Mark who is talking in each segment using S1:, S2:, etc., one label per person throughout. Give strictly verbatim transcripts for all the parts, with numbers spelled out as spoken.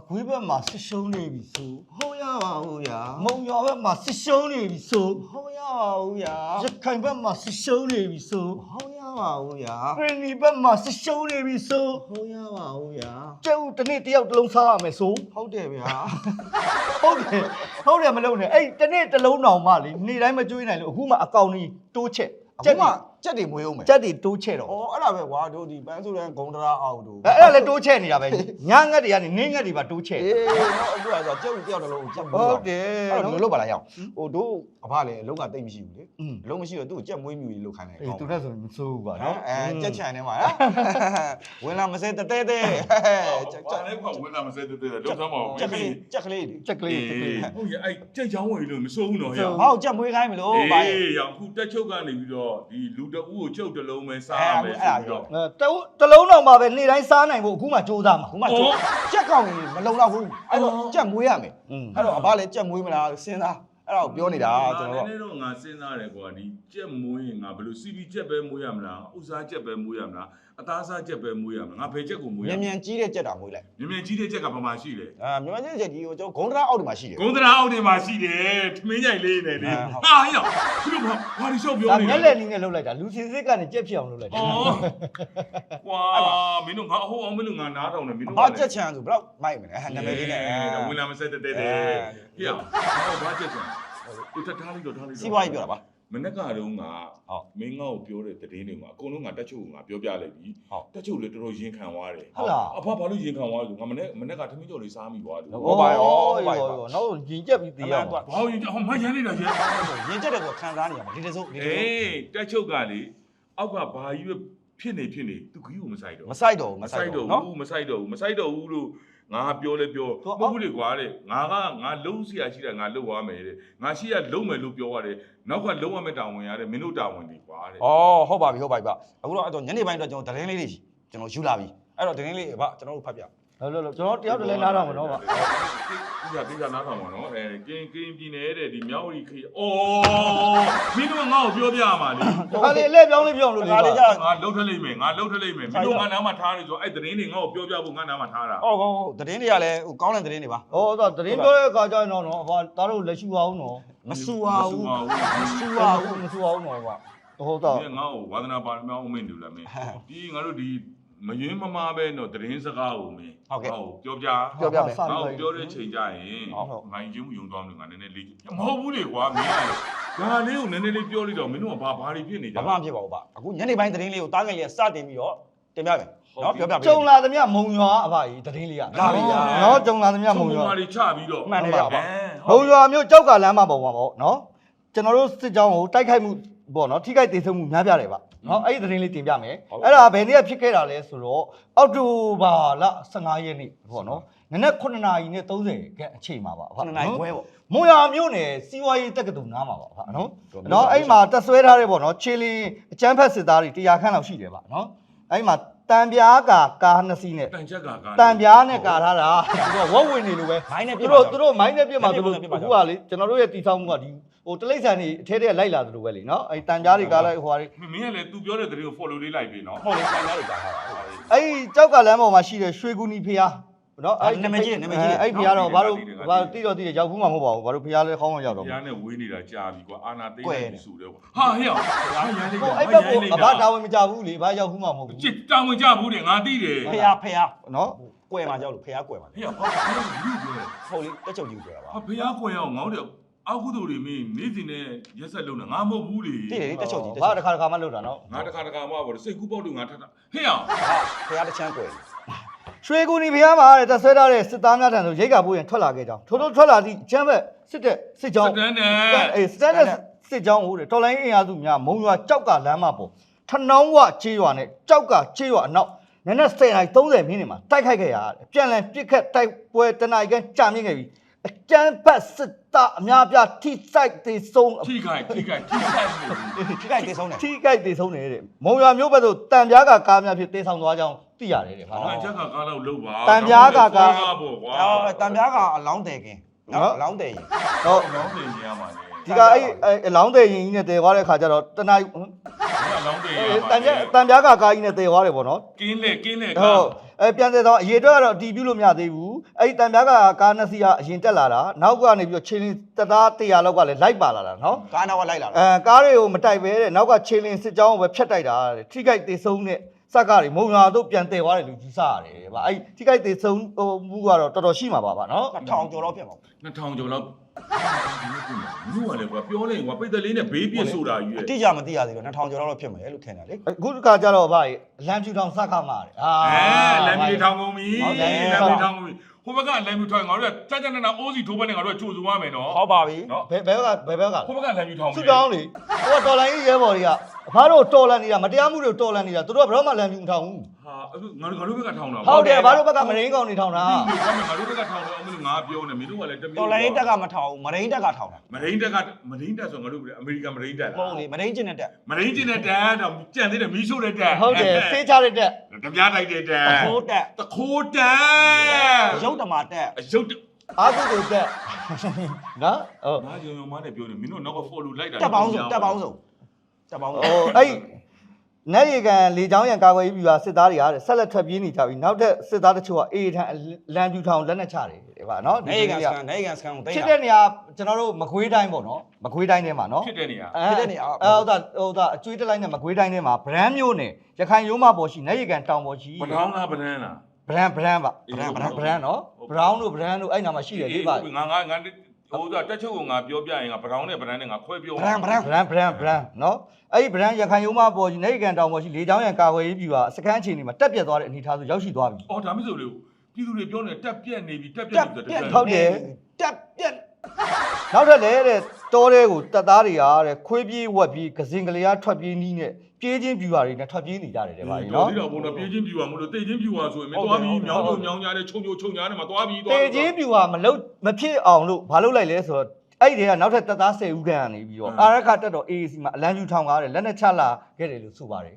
S1: ဂွေးဘက်မှာစစ်ရှုံးနေပြီဆို
S2: ဟုတ်ရပါဘူးဗျာ
S1: မုံရွာဘက်မှာစစ်ရှုံးနေပြီဆို
S2: ဟုတ်ရပါဘူးဗျာ
S1: ရခိုင်ဘက်မှာစစ်ရှုံးနေပြီဆို
S2: ဟုတ်ရပါဘူးဗျာ
S1: ခရနီဘက်မှာစစ်ရှုံးနေပြီဆို
S2: ဟုတ်ရပါဘူးဗျာ
S1: ကျဲဦးတစ်နေ့တစ်ယောက်တစ်လုံးစားရမယ်ဆို
S2: ဟုတ်တယ်ဗျာ
S1: ဟုတ်တယ်ဟုတ်တယ်မလုပ်နဲ့အဲ့တစ်နေ့တစ်လုံးတောင်မှလေနေ့တိုင်းမကျွေးနိုင်လို့အခုမှအကောင်ကြီးတိုးချက်
S2: ကျက်မှကြက်တွေမွေးအောင်မယ်
S1: ကြက်တွေတိုးချက်တော့
S2: ဩအဲ့ဒါပဲကွာတို့ဒီပန်းစုရန်ဂုံတရာအောင်တို့
S1: အဲ့အဲ့ဒါလည်းတိုးချက်နေတာပဲညငတ်တွေကနေနင်းငတ်တွေပါတိုးချက်
S2: အေးတော့အခုကဆိုကြက်ဦးတယောက်တစ်လုံးကြက်မွေး
S1: ဟုတ်တယ်
S2: အဲ့တော့ဘယ်လိုလုပ်ပါလားရအောင်ဟိုတို့အဖလည်းအလုံးကတိတ်မရှိဘူးလေ
S1: อืม
S2: အလုံးမရှိတော့သူ့ကြက်မွေးမြူကြီးလုပ်ခိုင်းတယ်
S1: အေးသူနဲ့ဆိုရင်မစိုးဘူးပါနော်
S2: အဲကြက်ချန်နေမှာနော်ဝင်လာမစဲတဲတဲတဲ
S3: ကြက်ကြက်လည်းကဝင်လာမစဲတဲ့တဲ့လုံးသားမအောင်
S2: ကြက်ကလေးကြက်ကလေး
S1: ချက်ကလေးချက်ကလေး
S3: ဟုတ်ရဲ့အဲ့ကြက်ချောင်းဝင်လို့မစိုးဘူးနော်ဟဲ့
S2: ဟောက်ကြက်မွေးခိုင်းမလို့ဘာ
S3: အေးရောင်ခုတက်ချုပ်ကနေပြီးတော့ဒီလူတအူးကိုချုပ်တလုံးပဲစားရမယ်ဆိုပြီးတော့
S1: အဲတလုံးတော့မှပဲနေ့တိုင်းစားနိုင်ဖို့အခုမှစူးစမ်းမှာ
S2: ခုမှကြက်ကောင်ကြီးမလုံတော့ဘူးအဲ့တော့ကြက်မွေးရမယ်အဲ့တော့အဘလည်းကြက်မွေးမလားစဉ်းစားအဲ့ဒါကိုပြောနေတာကျွန်တော်
S3: နည်းနည်းတော့ငါစဉ်းစားတယ်ကွာဒီကြက်မွေးရင်ငါဘယ်လိုစီပီကြက်ပဲမွေးရမလားဥစားကြက်ပဲမွေးရမလားအသားစားကြက်ပဲမွေးရမလားငါဘယ်ကြက်ကိုမွေးရ
S2: မြန်
S3: မလဲ
S2: မြန်ကြီးတဲ့ကြက်တာမွေးလိုက်
S3: မြန်မြန်ကြီးတဲ့ကြက်ကဘာမှရှိလဲ
S2: အာမြန်မြန်ကြီးတဲ့ကြက်ကြီးကိုကျွန်တော်ဂုံတရာအောက်ဒီမှာရှိတယ်
S3: ဂုံတရာအောက်ထဲမှာရှိတယ်ထမင်းကြိုင်လေးနေတယ်ဟာဟဲ့သူတို့ဘာဒီရှော့ပြော
S1: ဒါ
S3: နေ
S1: မျက်လက်နည်းနဲ့လှုပ်လိုက်တာလူစင်စစ်ကနေကြက်ဖြစ်အောင်လှုပ်လိုက်တာ
S3: ကွာမင်းတို့ငါအဟိုအောင်မင်းတို့ငါနားထောင်နေမင်းတို့
S2: ဘာကြက်ချန်ဆိုဘယ်တော့မိုက်မလဲနာမည်လေးနဲ့
S3: ဝင်လာမဆက်တဲ့တဲ့တဲ့ဟေ့ဟောဘာကြက်ချင်သူတထားလိုက်တော့ထားလိုက်တော့
S2: စီးပွားရေးပြောတာပါ
S3: မနေ့ကတော့ငါမင်းငါ့ကိုပြောတဲ့တည်င်းတွေမှာအကုန်လုံးငါတက်ချုပ်ကိုငါပြောပြလိုက်ပြီတက်ချုပ်လည်းတော်တော်ရင်ခံသွားတယ်
S1: ဟုတ်လား
S3: အဖဘာလို့ရင်ခံသွားလဲဆိုငါမနေ့မနေ့ကထမင်းကြော်လေးစားမိသွားတယ်
S1: ဟုတ်ပါရောဟုတ်ပါရောနောက်ရင်ကြက်ပြီးသေးရမှာ
S3: ဘာလို့ရင်ဟောမရမ်းနေတာရဲ့
S2: ရင်ကြက်တယ်ဆိုခံစားနေရမှာဒီတစုပ်ဒီတစုပ်
S3: အေးတက်ချုပ်ကလေအောက်ကဘာကြီးပဲဖြစ်နေဖြစ်နေသူခကြီးကိုမဆိုင်တော့
S2: မဆိုင်တော့ဘူး
S3: မ
S2: မ
S3: ဆိုင်
S2: ဆိုင်
S3: တော့
S2: တော့နော်
S3: ဘူးမဆိုင်တော့ဘူးမဆိုင်တော့ဘူးလို့ငါပြောလဲပြောမဟုတ်ဘူးလေကွာတဲ့ငါကငါလုံးစရာရှိတာငါလုံးသွားမယ်တဲ့ငါရှိရလုံးမယ်လို့ပြောရတယ်နောက်ကလုံးဝမဲ့တာဝန်ရတယ်မင်းတို့တာဝန်တွေကွာတဲ့
S2: ဩဟုတ်ပါပြီဟုတ်ပါပြီဗျအခုတော့အဲ့တော့ညနေပိုင်းတော့ကျွန်တော်သတင်းလေးတွေကျွန်တော်ယူလာပြီအဲ့တော့သတင်းလေးဗျကျွန်တော်တို့ဖတ်ပြ
S1: လောလောလောကျွန်တော်တယောက်တည်းလဲနားတော့မနော်ဗျ
S3: ဒီကဒီကနားထောင်ပါနော်အဲကင်းကင်းပြင်းနေတဲ့ဒီမြောက်ရီခေအော်မင်းတို့ငါ့ကိုပြောပြရမှာလေ
S1: ခါလေးအလဲပြောင်းလေးပြောင်းလို့လေ
S2: ခါလေးကြ
S3: ငါလှုပ်ထလိုက်မယ်ငါလှုပ်ထလိုက်မယ်မင်းတို့ငါနားမှာထားနေဆိုအဲ့သတင်းတွေငါ့ကိုပြောပြဖို့ငါနားမှာထားတာ
S2: ဟုတ်ဟုတ်ဟုတ်သတင်းတွေကလည်းဟိုကောင်းတဲ့သတင်းတွေပါ
S1: ဟောတော့တရင်ပြောတဲ့အခါကျရင်တော့နော်ဟာသားတို့လက်ရှိအောင်နော်
S2: မဆူပါဘူး
S1: မဆူပါဘူးမဆူအောင်နော်ဗျဟုတ်တော့
S3: ဒီငါ့ကိုဝါသနာပါမောင်းမင်းတို့လည်းမင်းဒီငါတို့ဒီမယွင်းမမားပဲတော့သတင်းစကားကိုမင်းပြောပြ
S2: ပြောပြမယ်
S3: ငါ့ကိုပြောတဲ့ချိန်ကြရင်ငိုင်းချင်းယုံသွားလို့ငါနည်းနည်းလေးမဟုတ်ဘူးလေကွာမင်းကဒါလေးကိုနည်းနည်းလေးပြောလိုက်တော့မင်းတို့ကဘာဘာတွေဖြစ်နေကြ
S2: ဘာမှမဖြစ်ပါဘူးဗျအခုညနေပိုင်းသတင်းလေးကိုတားငယ်လေးကစတင်ပြီးတော့တင်ပြမယ်နော်ပြောပြပေး
S1: ကျုံလာသမျှမုံရွာအဖကြီးတရင်လေးကနော်ကျုံလာသမျှမုံရွာ
S3: တွေချပြီးတော့
S2: မှန်တယ်ဗျ
S1: မုံရွာမျိုးကြောက်ကလမ်းမှာပေါ့ပေါ့နော်ကျွန်တော်တို့စစ်ကြောင်းကိုတိုက်ခိုက်မှုပေါ့နော်ထိခိုက်ဒေဆုံးမှုများပြတယ်ဗျနော်အဲ့ဒီသတင်းလေးတင်ပြမယ်အဲ့ဒါဘယ်နေ့ဖြစ်ခဲ့တာလဲဆိုတော့အောက်တိုဘာလဆယ့်ငါးရက်နေ့ပေါ့နော်နနက်ခုနှစ်နာရီနဲ့သုံးဆယ်ခန့်အချိန်မှာပါ
S2: ခုနှစ်နာရီခွဲပေါ့
S1: မုံရွာမျိုးနယ်စီဝါရေးတက္ကသိုလ်နားမှာပါဗျနော်နော်အဲ့မှာတက်ဆွဲထားတဲ့ပေါ့နော်ခြေလင်းအကျန်းဖက်စစ်သားတွေတရားခန့်လောက်ရှိတယ်ဗျနော်အဲ့မှာတံပြားကာကားနှစ်စီးနဲ့
S3: တန်ချက်ကကား
S1: တံပြားနဲ့ကာထားတာသူတို့ဝက်ဝင်နေလို့ပဲ
S2: မိုင်းနဲ့ပြ
S1: သူတို့သူတို့မိုင်းနဲ့ပြမှာသူတို့အခုကလေကျွန်တော်တို့ရဲ့တီဆောက်မှုကဒီဟိုတလိမ့်ဆန်နေအထဲထဲလိုက်လာသလိုပဲလေနော်အဲ့တန်ကြားတွေကားလိုက်ဟိုဟာတွေ
S3: မင်းကလည်း तू ပြောတဲ့သတင်းကို follow လေးလိုက်ပြီနော်
S2: ဟုတ်လေတန်ကြားတွေကြားထားတာဟုတ်ပါပြီ
S1: အဲ့ကြောက်ကလမ်းပေါ်မှာရှိတဲ့ရွှေကူနီဖျားနော်အဲ့အဲ့ဖျားတော့ဘာလို့ဘာတိတော့တိတယ်ရောက်ဘူးမှာမဟုတ်ပါဘူးဘာလို့ဖျားလဲခေါင်းမရောက်တော့
S3: ဖျားနဲ့ဝေးနေတာကြာပြီကွာအာနာသိနေပြီဆိုတော့ဟာဟဲ့ဟာရမ်းလေး
S1: ဟို
S3: ကွာ
S1: အဲ့ဘက်ကအဘတာဝန်မကြဘူးလေဘာရောက်ဘူးမှာမဟုတ်ဘူး
S3: ချစ်တောင်းဝင်ကြဘူးတဲ့ငါသိတယ်
S2: ဖះဖះ
S1: နော်
S2: ကွယ်မှာကြောက်လို့ဖះကွယ်မှာ
S3: ဟဲ့ဟာဘာလို့လူပြောလဲ
S2: ဟုတ်လေတက်ချုပ်ကြီးကွယ်တာပါ
S3: ဟာဖျားကွယ်အောင်ငေါ့တယ်အောက်ကုသိုလ်တွေမင်းနေ့စဉ်နဲ့ရက်ဆက်လုံးတာငါမဟုတ်ဘူးလေ
S2: တိတယ်လေတက်ချုပ်ကြီးတက်
S1: ဘာ
S2: ချုပ်
S1: တစ်ခါတစ်ခါမှလုပ်တာနော်
S3: ငါတခါတခါမှပေါ့စိတ်ကူးပေါက်လို့ငါထပ်တာဟဲ့အောင်
S2: ဖះတစ်ချမ်းကွယ်
S1: ရွှေကူနီဖျားမှာတဲ့တက်ဆွဲထားတဲ့စစ်သားများထံသို့ရိတ်ကပိုးရင်ထွက်လာခဲ့ကြောင်းထို့ထို့ထွက်လာသည့်ချမ်းဘက်စစ်တဲ့စစ်ကြောင်း
S3: စတန်နဲ့
S1: အေးစတန်တဲ့စစ်ကြောင်းဟိုတဲ့တော်လိုင်းအင်အားစုများမုံရွာကြောက်ကလမ်းမပေါ်ထနောင်းဝချေးရွာနဲ့ကြောက်ကချေးရွာအနောက်နည်းနည်းဆယ်နာရီသုံးဆယ်မိနစ်မှာတိုက်ခိုက်ခဲ့ရတယ်ပြန်လည်ပြစ်ခတ်တိုက်ပွဲတနအီကန်ကြာမြင့်ခဲ့ပြီးအကျန်းဖက်စစ်သားအများပြထိစိုက်သေးဆုံး
S3: ထိခိုက်ထိခိုက်ထိခိုက်မှု
S2: ထိခိုက်တေဆုံးတယ်
S1: ထိခိုက်သေးဆုံးနေတဲ့မုံရွာမျိုးဘက်သို့တံပြားကကားများဖြစ်တေးဆောင်သွားကြောင်းသိရတယ်တဲ့ဗျာ
S3: ငါ
S1: နော်
S3: ချက်ကကားလောက်လုံးပါ
S1: တန်ပြားကကား
S3: ပေါ့ကွာ
S2: အော်တံပြားကအလောင်းတယ်ခင်နော်အလောင်းတယ်ရင်
S1: ဟုတ်
S3: လောင်းတင်ရမှာလေ
S1: ဒီကအဲ့အလောင်းတဲ့ရင်ကြီးနဲ့တည်သွားတဲ့ခါကျတော့တနား
S3: အလောင်းတွေ
S1: တန်ပြတန်ပြားကကားကြီးနဲ့တည်သွားတယ်ပေါ့နော်
S3: ကင်းလေကင်းလေ
S1: ဟုတ်အဲပြန်တဲ့တော့အရေးအတွက်ကတော့အတီးပြုလို့မရသေးဘူးအဲ့ဒီတန်ပြားကကားနှစ်စီးကအရင်တက်လာတာနောက်ကနေပြီးတော့ချင်းလင်းတသားတရာလောက်ကလည်းလိုက်ပါလာတာနော်
S2: ကားနောက်ကလိုက်လာတာ
S1: အဲကားတွေကိုမတိုက်ပဲတဲ့နောက်ကချင်းလင်းစစ်ကြောင်းကိုပဲဖြတ်တိုက်တာတဲ့ထိခိုက်သေးဆုံးတဲ့စက်ကတွေမုံရွာတို့ပြန်တည်သွားတယ်လို့ယူဆရတယ်ဗျအဲ့ထိခိုက်သေးဆုံးဟိုမှုကတော့တော်တော်ရှိမှာပါဗျနော်
S2: နှစ်ထောင်ကျော်တော့ဖြစ်မှာ
S3: နှစ်ထောင်ကျော်လောက်ဘူးကလည်းကွာပြောလိုက်ကွာပိတ်တလေးနဲ့ဘေးပြစ်ဆိုတာကြီးရဲ့
S2: အတိအကျမသိရသေးတော့နှစ်ထောင်ကျော်တော့ဖြစ်မယ်လို့ထင်တယ်လေ
S1: အခုတခါကျတော့ဗျလမ်းဖြူထောင်စကားမှာတယ်အာ
S3: အဲလမ်းမီထောင်ကုန်ပြီလမ်းမီထောင်ကုန်ပြီဟိုဘက်ကလမ်းမီထောင်ငါတို့ကကြကြနနာအိုးစီထိုးဘက်နဲ့ငါတို့ကကြိုစုရမယ်နော်
S2: ဟုတ်ပါပြီ
S3: နော်
S1: ဘယ်ဘယ်ကဘယ်ဘက်က
S3: ဟိုဘက်ကလမ်းမီထောင်
S1: စုတောင်းလေဟိုကတော်လိုင်းရဲဘော်တွေကအဖားတို့တော်လန်နေတာမတရားမှုတွေတော်လန်နေတာသူတို့ကဘယ်တော့မှလမ်းဖြူမထောင်ဘူး
S3: ဟာအခုငါတို့ငါတို့ဘက်ကထောင်တာ
S1: ဟုတ်တယ်အဖားတို့ဘက်ကမရင်းကောင်နေထောင်တာ
S3: ငါတို့ဘက်ကထောင်တော့အမလို့ငါပြောနေမင်းတို့ကလည်းတမျိုး
S2: တော်လိုင်းတက်ကမထောင်ဘူးမရင်းတက်ကထောင်တာ
S3: မရင်းတက်ကမရင်းတက်ဆိုငါတို့အမေရိကန်မရင်းတက်
S2: မဟုတ်လေမရင်းကျင်တဲ့တက်
S3: မရင်းကျင်တဲ့တက်တော့ကြံသေးတယ်မီးရှို့တဲ့တက်
S1: ဟုတ်တယ်စေးချတဲ့တက်
S3: တပြားတိုက်တဲ့တက်
S2: ခိုးတက်
S3: တခိုးတက်
S2: ရုပ်တမာတက်
S3: အရုပ်
S1: အာကုကိုတက်နော်ဟုတ်
S3: ငါကြုံရုံမနဲ့ပြောနေမင်းတို့နောက်က follow လိုက်တာ
S2: တက်ပေါင်းစုတက်ပေါင်းစုတက်ပေါင်းစု
S1: ဟိုအဲ့နေရီကန်လေချောင်းရံကာကွယ်ရေးပြူဟာစစ်သားတွေကဆက်လက်ထွက်ပြေးနေကြပြီနောက်ထပ်စစ်သားတချို့ကအေးထန်လမ်းပြူထောင်လက်နဲ့ချတယ်ဗျာနော်
S2: နေကန်စကန်နေကန်စကန်ကိုတိတ်
S1: ဖြစ်
S2: တာ
S1: တဲ့နေရာကျွန်တော်တို့မကွေးတိုင်းပေါ့နော်မကွေးတိုင်းထဲမှာနော်
S3: ဖြစ်တဲ့နေရာ
S1: အဲဟုတ်တာဟုတ်တာအကျွေးတက်လိုက်နဲ့မကွေးတိုင်းထဲမှာဗရန်မျိုးနဲ့ရခိုင်ရိုးမပေါ်ရှိနေရီကန်တောင်ပေါ်ရှိ
S3: ဘထောင်းလားဗနန်းလား
S1: ဗရန်ဗရန်ပါဗရန်ဗရန်နော်ဘရောင်းတို့ဗရန်တို့အဲ့နာမှာရှိတယ်လေပါ
S3: ငါငါငါဟိုကတက်ချုပ်ကငါပြောပြရင်ငါဘထောင်းနဲ့ဗနန်းနဲ့ငါခွဲပြော
S2: ဗရန်ဗရန်
S1: ဗရန်ဗရန်ဗရန်နော်အဲ့ဒီဗရန်ရခိုင်ရိုးမပေါ်ရှိနေရီကန်တောင်ပေါ်ရှိလေချောင်းရံကာကွယ်ရေးပြူဟာစကန်အခြေအနေမှာတက်ပြတ်သွားတဲ့အနေအထားဆိုရောက်ရှိသွားပြီ
S3: အော်ဒါမှမဟုတ်လေပြည်သူတွေပြောနေတက်ပြက်နေပြီတက်ပြက်
S2: တက်
S3: နေ
S2: ပြက်
S3: တယ်
S1: ဟုတ်တယ်
S2: တက်ပြက်
S1: နောက်ထပ်လည်းတဲ့တောထဲကိုတပ်သားတွေကတဲ့ခွေးပြေးဝက်ပြေးကစင်ကလေးအားထွက်ပြေးနီးနဲ့ပြေးချင်းပြူဟာတွေနဲ့ထွက်ပြေးနေကြတယ်တဲ့ဗျာ
S3: နော်
S1: နော်
S3: ဒီတော့ဘုံတော့ပြေးချင်းပြူပါမလို့တိတ်ချင်းပြူပါဆိုရင်မသွားပြီးမြောင်းကျုံမြောင်းကြားနဲ့ခြုံခြုံခြုံကြားနဲ့မသွားပြီးသွား
S1: တေချင်းပြူဟာမလုတ်မဖြစ်အောင်လို့ဘာလုပ်လိုက်လဲဆိုတော့အဲ့ဒီကနောက်ထပ်တပ်သား၁၀ဦးခန့်ကနေပြီးတော့အာရခတက်တော့ A A C မှာအလံကျူထောင်ကားတယ်လက်နဲ့ချလာခဲ့တယ်လို့ဆိုပါတယ်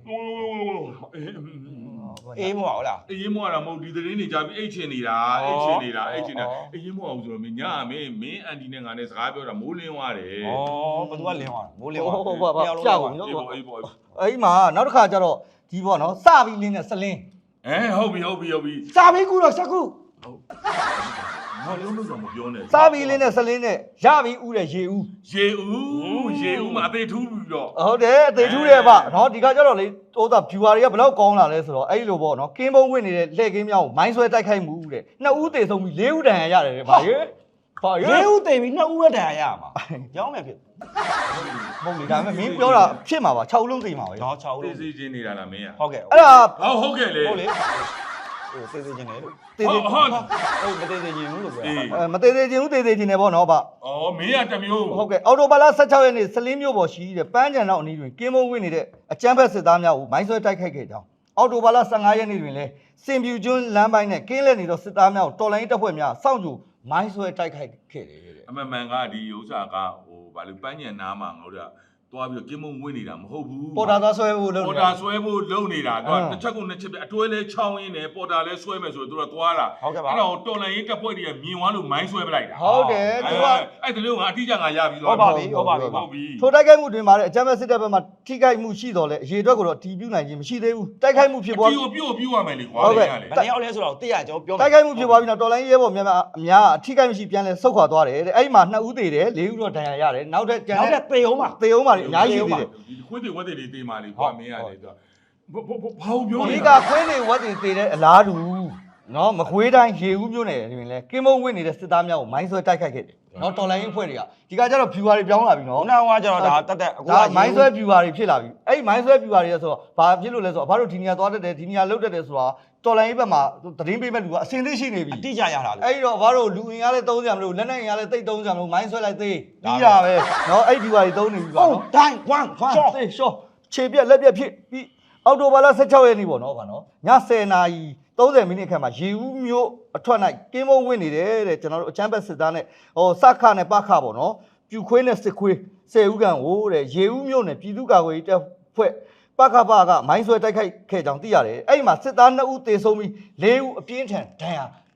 S2: အေးမဟုတ်လား
S3: အေးမောတာမဟုတ်ဒီသတင်းတွေကြားပြီးအိတ်ချင်နေတာအိတ်ချင်နေတာအိတ်ချင်နေတာအေးမောအောင်ဆိုတော့မင်းညမင်းမင်းအန်တီနဲ့ငါနဲ့စကားပြောတာမိုးလင်းသွားတယ်
S2: ဩဘသူကလင်းသွားမိုးလင်းသွား
S1: ဟုတ်ပါပါကြောက်ဘူးနော်
S3: အေးပေါ့အေးပေါ့
S1: အဲ့ဒီမှာနောက်တစ်ခါကျတော့ဒီပေါ့နော်စပြီးလင်းနဲ့စလင်း
S3: အဲဟုတ်ပြီဟုတ်ပြီဟုတ်ပြီ
S2: စာမေးကူတော့စကူ
S3: ငါလုံးလုံးတော့မပြောနဲ့
S1: စပြီးလင်းနဲ့စလင်းနဲ့ရပြီးဥတဲ့ရေဥ
S3: ရေဦးရေဦးမှာအသေးထူးပြီးတော့
S1: ဟုတ်တယ်အသေးထူးတယ်ဗျနော်ဒီကကျတော့လေဟိုသာ viewer တွေကဘယ်လောက်ကောင်းလာလဲဆိုတော့အဲ့လိုပေါ့နော်ကင်းပုံးဝင်နေတဲ့လှည့်ကင်းမြောင်းကိုမိုင်းဆွဲတိုက်ခိုက်မှုတဲ့နှစ်ဦးသေဆုံးပြီးလေးဦးတန်ရရတယ်တဲ့ဗျာရေဟာရေ
S2: လေးဦးတိမ်ပြီးနှစ်ဦးဝက်တန်ရရမှာရောင်းမယ်ဖြစ်
S1: ဟုတ်ပြီဒါပေမဲ့မင်းပြောတာဖြစ်မှာပါ၆ဦးလုံးသိမှာပဲ
S2: တော့6ဦး
S3: သေ
S2: လို့
S3: စီချင်းနေတာလားမင်းอ่ะ
S2: ဟုတ်ကဲ့
S1: အဲ့ဒါ
S3: ဟောဟုတ်ကဲ့လေ
S2: ဟုတ်လေဟိုသေးသေးချင်းတယ်လို့
S1: သေသေး
S3: ဟုတ်
S2: ဟုတ်မသေးသေးချင်းဘူးလို့ပြော
S3: အေး
S1: အဲမသေးသေးချင်းဦးသေးသေးချင်းနေပေါ့နော်ဗျ
S3: ဩမင်းอ่ะတမျိုး
S1: ဟုတ်ကဲ့အော်တိုဘာလ၁၆ရက်နေ့စလင်းမြို့ပေါ်ရှိတဲ့ပန်းချံတော်အနီးတွင်ကင်းမုံဝင်နေတဲ့အကြမ်းဖက်စစ်သားများကိုမိုင်းဆွဲတိုက်ခိုက်ခဲ့ကြောင်းအော်တိုဘာလ၁၅ရက်နေ့တွင်လည်းစင်ပြူကျွန်းလမ်းပိုင်းနဲ့ကင်းလက်နေသောစစ်သားများကိုတော်လိုင်းတပ်ဖွဲ့များစောင့်ကြိုမိုင်းဆွဲတိုက်ခိုက်ခဲ့တယ်တဲ့
S3: အမှန်မှန်ကဒီဥစ္စာကဟိုဗာလို့ပန်းညံနားမှာငါတို့ကသွားပြီးတော့ကင်းမုံဝင်နေတာမဟုတ်ဘူး
S1: ပေါ်တာသားဆွဲဖို့လုပ်
S3: ပေါ်
S1: နေ
S3: တာဆွဲဖို့လုံနေတာတော့တစ်ချက်ကုန်တစ်ချက်ပြအတွဲလဲချောင်းရင်းနဲ့ပေါ်တာလဲဆွဲမယ်ဆိုတော့သူကသွားတာ
S2: ဟုတ်ကဲ့ပါ
S3: အဲ့တော့တော်လန်ရေးတပ်ဖွဲ့တွေကမြင်သွားလို့မိုင်းဆွဲပလိုက်တာ
S1: ဟုတ်တယ်သူက
S3: အဲ့ဒီလိုငါအတိအကျငါရပြီးသွား
S2: ဟုတ်ပါပြီဟုတ်ပါပြီ
S3: ဟုတ်ပြီ
S1: ထိုတိုက်ခိုက်မှုတွင်မှာတဲ့အကြမ်းဖက်စစ်တပ်ဘက်မှထိခိုက်မှုရှိတော်လဲအရေးအတွက်ကိုတော့တီးပြူနိုင်ခြင်းမရှိသေးဘူးတိုက်ခိုက်မှုဖြစ်ပွား
S3: ပြို့ပြို့ပြို့ရမယ်လေကွာ
S1: ဟုတ်ကဲ့
S3: လေ
S2: ဘယ်နှစ်ယောက်လဲဆိုတော့တိရကျွန်တော်ပြော
S1: တိုက်ခိုက်မှုဖြစ်ပွားပြီးတော့တော်လိုင်းရဲဘော်များများအများအထိခိုက်မရှိပြန်လဲဆုတ်ခွာသွားတယ်တဲ့အဲ့ဒီမှာနှစ်ဦးသေးတယ်လေးဦးတော့ဒဏ်ရာရတယ်နောက်ထပ်ကျန်
S2: နောက်
S1: တဲ့
S2: တဲ့သေအောင်ပါ
S1: သေအောင်ပါလေအများကြီးရှိသေးတယ်
S3: ဒီခွေးတွေဝက်တွေတွေတေးမာလေကွာမင်းရတယ်သူကဘာဘာပြော
S1: ဒီ
S3: နေ
S1: ကခွင်းနေဝက်တွေသေတဲ့အလားတူနော်မခွေးတိုင်းရေဦးမျိုးနယ်တွင်လဲကင်းမုံဝင်နေတဲ့စစ်သားများကိုမိုင်းဆွဲတိုက်ခိုက်ခဲ့တယ်နော်တော်လိုင်းအဖွဲ့တွေကဒီကကျတော့ viewer တွေပြောင်းလာပြီနော်
S2: ခုနကကျတော့ဒါတက်တက်အခု
S1: ဒါမိုင်းဆွဲ viewer တွေဖြစ်လာပြီအဲ့ဒီမိုင်းဆွဲ viewer တွေဆိုတော့ဘာဖြစ်လို့လဲဆိုတော့ဘာလို့ဒီနေရာသွားတတ်တယ်ဒီနေရာလှုပ်တတ်တယ်ဆိုတာတော်လိုင်းဘက်မှာသတင်းပေးမဲ့လူကအစင်သိရှိနေပြီ
S2: အတိအကျရတာလေ
S1: အဲ့တော့ဘာလို့လူအင်အားလဲသုံးကြမလို့လက်နဲ့အင်အားလဲတိတ်သုံးကြမလို့မိုင်းဆွဲလိုက်သေးပြီးတာပဲနော်အဲ့ viewer တွေသုံးနေပြီပါ
S2: ဟုတ်
S1: နော်
S2: တိုင်းဝမ်
S1: ဟာ
S2: ရှော့
S1: သေရှော့ခြေပြက်လက်ပြက်ဖြစ်ပြီးအော်တိုဘာလ၁၆ရက်နေ့ပေါ့နော်ဗျာနော်ည၁၀နာရီ၃၀မိနစ်ခန့်မှာရေဦးမျိုးအထွက်၌ကင်းမုံဝင်နေတယ်တဲ့ကျွန်တော်တို့အချမ်းဘက်စစ်သားနဲ့ဟိုစခနဲ့ပခပေါ့နော်ပြူခွေးနဲ့စစ်ခွေး၁၀ဦးခန့်ဟိုတဲ့ရေဦးမျိုးနဲ့ပြည်သူ့ကာကွယ်ရေးတပ်ဖွဲ့ပခပကမိုင်းဆွဲတိုက်ခိုက်ခဲ့ကြောင်းသိရတယ်အဲ့ဒီမှာစစ်သား၂ဦးသေဆုံးပြီး၄ဦးအပြင်းထန်ဒဏ်ရာ